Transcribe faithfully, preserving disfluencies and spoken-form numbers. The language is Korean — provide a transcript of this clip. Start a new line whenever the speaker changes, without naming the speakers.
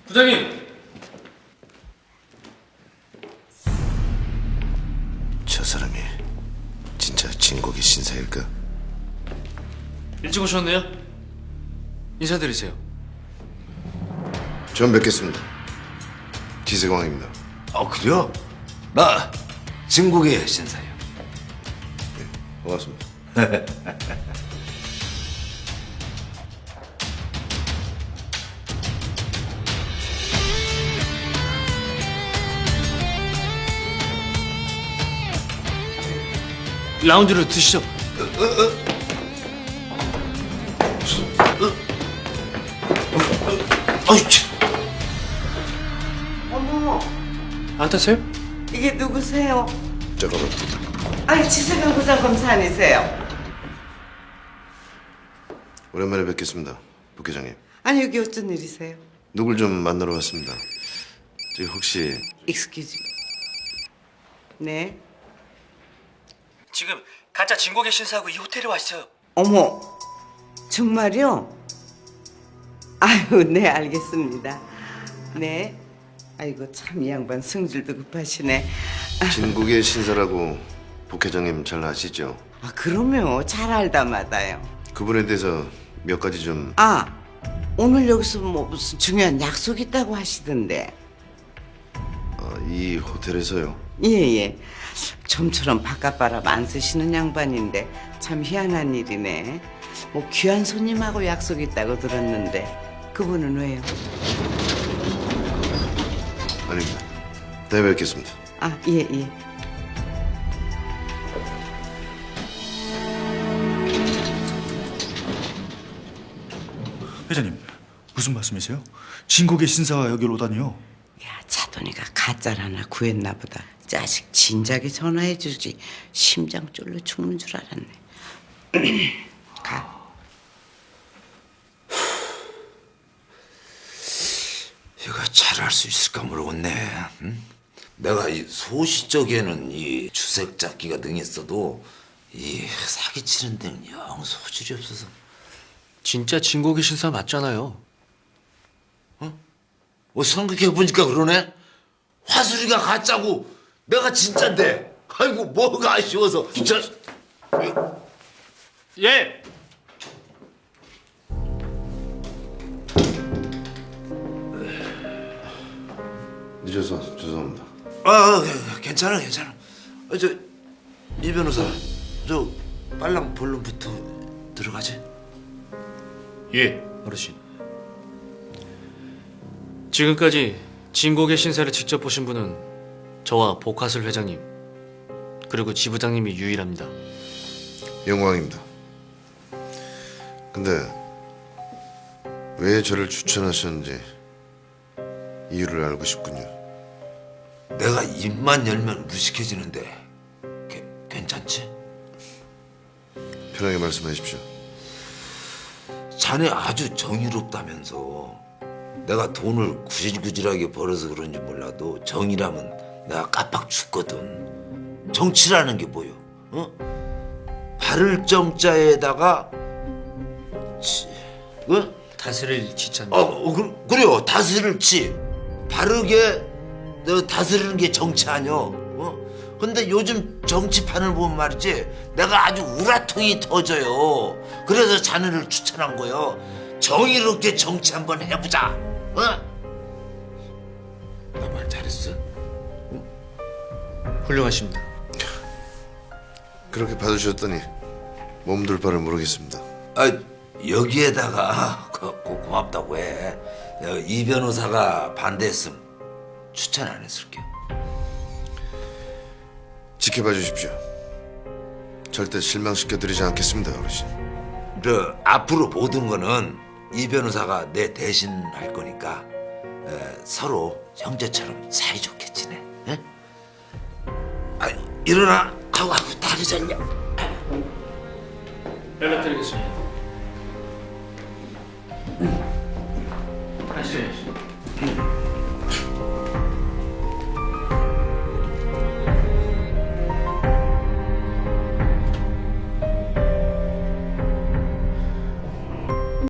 부장님!
저 사람이 진짜 진국의 신사일까?
일찍 오셨네요? 인사드리세요.
전 뵙겠습니다. 기세광입니다.
아 그래요? 나 진국의 신사예요.
반갑습니다.
라운지로 드시죠.
아이 참.
어머,
안 타세요?
이게 누구세요?
잠깐만.
아니, 지세경 부장 검사 아니세요?
오랜만에 뵙겠습니다. 부회장님.
아니, 여기 어쩐 일이세요?
누굴 좀 만나러 왔습니다. 저기 혹시
익스큐즈. 네.
지금 가짜 진국의 신사하고 이 호텔에 와 있어요.
어머, 정말요? 아유, 네, 알겠습니다. 네. 아이고, 참 이 양반 성질도 급하시네.
진국의 신사라고 부회장님 잘 아시죠?
아, 그럼요. 잘 알다마다요.
그분에 대해서 몇 가지 좀
아, 오늘 여기서 뭐 무슨 중요한 약속 있다고 하시던데.
어, 이 호텔에서요.
예, 예. 좀처럼 바깥바람 안 쓰시는 양반인데 참 희한한 일이네. 뭐 귀한 손님하고 약속 있다고 들었는데 그분은 왜요?
아닙니다. 네, 뵙겠습니다.
아, 예, 예.
회장님, 무슨 말씀이세요? 진국의 신사가 여기로 오다니요?
야, 차돈이가 가짜를 하나 구했나 보다. 자식 진작에 전화해 주지. 심장 쫄려 죽는 줄 알았네. 가.
이거 잘할 수 있을까 모르겠네. 응? 내가 이 소시적에는 이 주색 잡기가 능했어도 이 사기치는 데는 영 소질이 없어서.
진짜 진국의 신사 맞잖아요.
어 생각해 보니까 그러네. 화술이가 가짜고 내가 진짠데. 아이고 뭐가 아쉬워서. 저
예!
늦어서 죄송합니다.
아, 괜찮아, 괜찮아. 어, 저, 이 변호사, 저 빨랑 본론부터 들어가지.
예, 어르신. 지금까지 진국의 신사를 직접 보신 분은 저와 복화슬 회장님 그리고 지부장님이 유일합니다.
영광입니다. 근데 왜 저를 추천하셨는지 이유를 알고 싶군요.
내가 입만 열면 무식해지는데, 게, 괜찮지?
편하게 말씀하십시오.
자네 아주 정의롭다면서. 내가 돈을 구질구질하게 벌어서 그런지 몰라도 정의라면 내가 깜빡 죽거든. 정치라는 게 뭐요? 어? 바를 정자에다가 치, 어?
다스릴 지자입니다.
어, 어 그, 그래요. 다스릴 치. 바르게 너 다스리는 게 정치 아니여. 어? 근데 요즘 정치판을 보면 말이지 내가 아주 우라통이 터져요. 그래서 자네를 추천한 거요. 정의롭게 정치 한번 해보자. 어? 나 말 잘했어?
훌륭하십니다.
그렇게 봐주셨더니 몸둘 바를 모르겠습니다.
아, 여기에다가 고, 고, 고맙다고 해. 내가 이 변호사가 반대했으면 추천 안 했을게요.
지켜봐 주십시오. 절대 실망시켜드리지 않겠습니다, 어르신.
저 앞으로 모든 거는 이 변호사가 내 대신 할 거니까 에, 서로 형제처럼 사이좋게 지내. 에? 아, 일어나. 아우, 아우 다리 잘려.
연락드리겠습니다. 가시죠.